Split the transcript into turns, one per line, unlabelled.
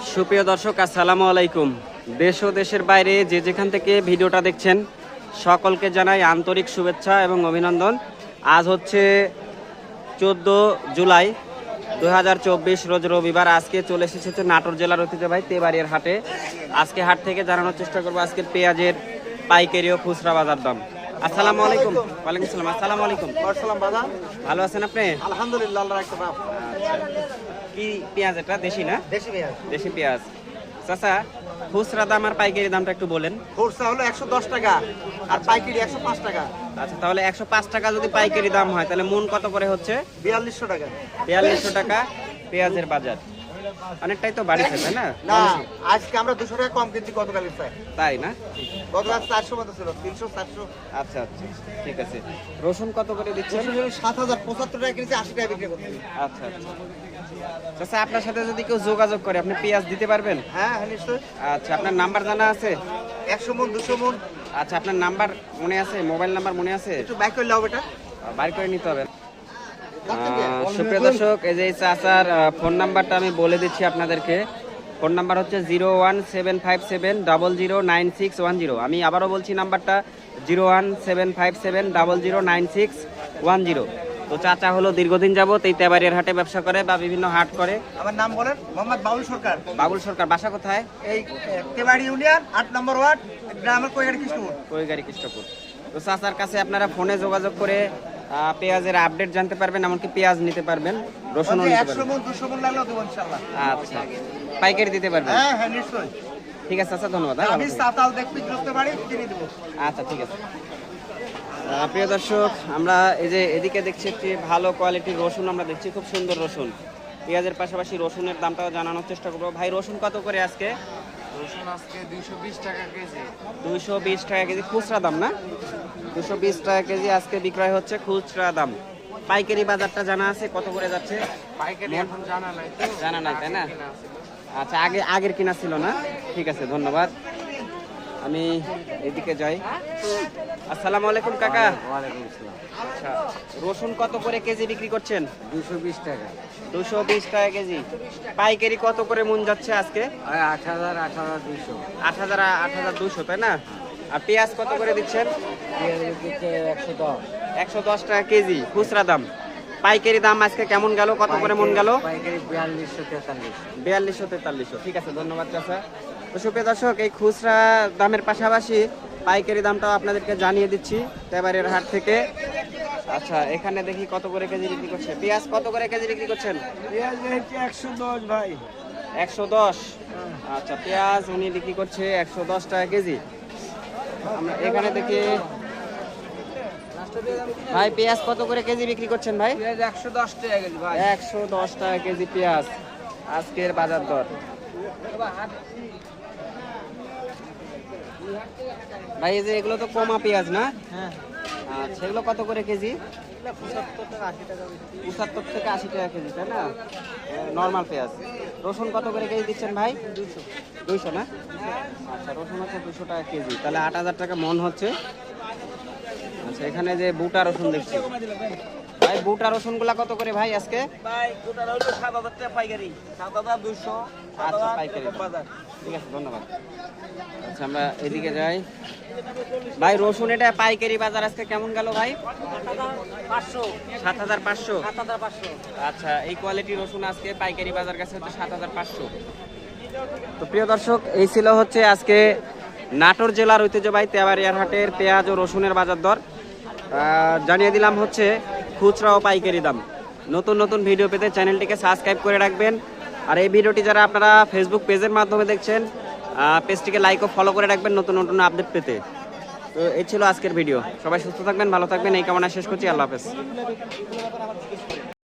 সুপ্রিয় দর্শক, আসসালামু আলাইকুম। দেশ ও দেশের বাইরে যে যেখান থেকে ভিডিওটা দেখছেন সকলকে জানাই আন্তরিক শুভেচ্ছা এবং অভিনন্দন। আজ হচ্ছে 14 জুলাই 2024 রোজ রবিবার। আজকে চলে এসেছে নাটোর জেলার ঐতিহ্যবাহী তেবাড়িয়ার হাটে। আজকে হাট থেকে জানানোর চেষ্টা করবো আজকের পেঁয়াজের পাইকারি ও খুচরা বাজার দাম। আসসালামু আলাইকুম। ওয়ালাইকুম আসসালাম। আসসালামু আলাইকুম। ভালো আছেন আপনি?
আলহামদুলিল্লাহ, আল্লাহ রাখতে পারেন।
কি পেঁয়াজ এটা? দেশি না?
দেশি পেঁয়াজ।
দেশি পেঁয়াজ। চাচা, খুচরা দাম আর পাইকারি দামটা একটু বলেন।
খুচরা হলো 110 টাকা আর পাইকারি 105 টাকা।
আচ্ছা, তাহলে 105 টাকা যদি পাইকারি দাম হয় তাহলে মন কত করে হচ্ছে?
4200 টাকা।
4200 টাকা পেঁয়াজের বাজার। অনেকটাই তো বাড়িছে, তাই না?
না, আজকে আমরা 200 টাকা কম কিনছি গতকালের চাই।
তাই না?
গতকাল 400 মতো ছিল, 300 400।
আচ্ছা আচ্ছা, ঠিক আছে। রসুন কত করে দিচ্ছেন?
7075 টাকা কিনছি, 80 টাকা বিক্রি করছি।
আচ্ছা আচ্ছা। চাচা, আপনার সাথে যদি কেউ যোগাযোগ করে আপনি পেঁয়াজ দিতে পারবেন?
হ্যাঁ হ্যাঁ, নিশ্চয়ই।
আচ্ছা, আপনার নাম্বার জানা আছে?
100 মন 200 মন।
আচ্ছা, আপনার নাম্বার মনে আছে? মোবাইল নাম্বার মনে আছে?
একটু বাইক করে লাও বেটা।
বাইর করে নিতে হবে। সুপ্রিয় দর্শক, এই যে চাচার ফোন নাম্বারটা আমি বলে দিচ্ছি আপনাদেরকে। ফোন নাম্বার হচ্ছে 01757009610। আমি আবারও বলছি নাম্বারটা 01757009610। তো চাচা হলো দীর্ঘদিন যাবত এই তেবাড়িয়ার হাটে ব্যবসা করে বা বিভিন্ন হাট করে।
আমার নাম বলেন? মোহাম্মদ বাবুল সরকার।
বাবুল সরকার। বাসা কোথায়?
এই তেবাড়ি ইউনিয়ন 8 নম্বর ওয়ার্ড, গ্রামের কৈগাড়ি কৃষ্ণপুর।
কৈগাড়ি কৃষ্ণপুর। তো চাচার কাছে আপনারা ফোনে যোগাযোগ করে পেঁয়াজের আপডেট জানতে পারবেন, এমনকি পেঁয়াজ নিতে পারবেন, রসুনও নিতে
100
পারবেন।
মন 200 মন লাগলো দেব ইনশাআল্লাহ।
আচ্ছা, পাইকারি দিতে পারবেন?
হ্যাঁ হ্যাঁ, নিশ্চয়ই।
ঠিক আছে চাচা, ধন্যবাদ।
আমি সাতাল দেখতে করতে পারি, কিনে দেব।
আচ্ছা, ঠিক আছে। প্রিয় দর্শক, আমরা এই যে এদিকে দেখছি একটি ভালো কোয়ালিটির রসুন আমরা দেখছি, খুব সুন্দর রসুন। পেঁয়াজের পাশাপাশি রসুনের দামটাও জানানোর চেষ্টা করবো। ভাই, রসুন কত করে আজকে?
রসুন আজকে 220 টাকা কেজি।
220 টাকা কেজি খুচরা দাম না? 220 টাকা কেজি আজকে বিক্রয় হচ্ছে, খুচরা দাম। পাইকারি বাজারটা জানা আছে কত করে যাচ্ছে?
পাইকারি এখন জানা নাই তো।
জানা নাই, তাই না? আচ্ছা, আগের কিনা ছিল না? ঠিক আছে, ধন্যবাদ। আমি এদিকে যাই। আসসালামু আলাইকুম কাকা।
ওয়ালাইকুম আসসালাম।
আচ্ছা, রসুন কত করে কেজি বিক্রি করছেন?
220 টাকা।
220 টাকা কেজি। পাইকারি কত করে মন যাচ্ছে আজকে?
8000 8200।
8200, তাই না? আর পেঁয়াজ কত করে দিচ্ছেন?
পেঁয়াজ দিচ্ছে 110।
110 টাকা কেজি খুচরা দাম। পাইকারি দাম আজকে কেমন গেল? কত করে মন গেল?
পাইকারি 4200 4300।
4200 4300। ঠিক আছে, ধন্যবাদ চাচা। তো সুপ্রিয় দর্শক, এই খুচরা দামের পাশাপাশি পাইকারি দামটাও আপনাদেরকে জানিয়ে দিচ্ছি তেবাড়িয়ার হাট থেকে। আচ্ছা, এখানে দেখি কত করে কেজি বিক্রি করছে। পেঁয়াজ কত করে কেজি বিক্রি করছেন?
পেঁয়াজ হচ্ছে 110 ভাই।
110। আচ্ছা, পেঁয়াজ উনি বিক্রি করছে 110 টাকা কেজি। আমরা এখানে দেখি ভাই, পেঁয়াজ কত করে কেজি বিক্রি করছেন ভাই?
পেঁয়াজ 110 টাকা কেজি ভাই।
110 টাকা কেজি পেঁয়াজ আজকের বাজার দর। ভাই, এই যে এগুলো তো কমা পেঁয়াজ না?
হ্যাঁ,
আচ্ছা, এগুলো কত করে কেজি?
75 টাকা 80 টাকা।
75 থেকে 80 টাকা কেজি, তাই না? নর্মাল পেঁয়াজ। রসুন কত করে কেজি দিচ্ছেন ভাই? 200 না? আচ্ছা, রসুন হচ্ছে 200 টাকা কেজি, তাহলে 8000 টাকা মন হচ্ছে। আচ্ছা, এখানে যে বুটা রসুন দেখছি ভাই, বুটা রসুন গুলা কত করে ভাই আজকে?
ভাই গোটা হলো 7000 টাকা পাইকারি, 7200।
আচ্ছা, পাইকারি বাজার। ঠিক আছে, ধন্যবাদ। আচ্ছা, আমরা এদিকে যাই। ভাই, রসুন এটা পাইকারি বাজার আজকে কেমন গেল ভাই?
500
7500।
7500।
আচ্ছা, এই কোয়ালিটি রসুন আজকে পাইকারি বাজার কাছে হচ্ছে 7500। তো প্রিয় দর্শক, এই ছিল হচ্ছে আজকে নাটোর জেলার ঐতিহ্যবাহী তেবাড়িয়ার হাটের পেঁয়াজ ও রসুনের বাজার দর। জানিয়ে দিলাম হচ্ছে খুচরা ও পাইকারি দাম। নতুন নতুন ভিডিও পেতে চ্যানেলটিকে সাবস্ক্রাইব করে রাখবেন। আর এই ভিডিওটি যারা আপনারা ফেসবুক পেজের মাধ্যমে দেখছেন, পেজটিকে লাইক ও ফলো করে রাখবেন নতুন নতুন আপডেট পেতে। তো এই ছিল আজকের ভিডিও। সবাই সুস্থ থাকবেন, ভালো থাকবেন, এই কামনা শেষ করছি। আল্লাহ হাফেজ।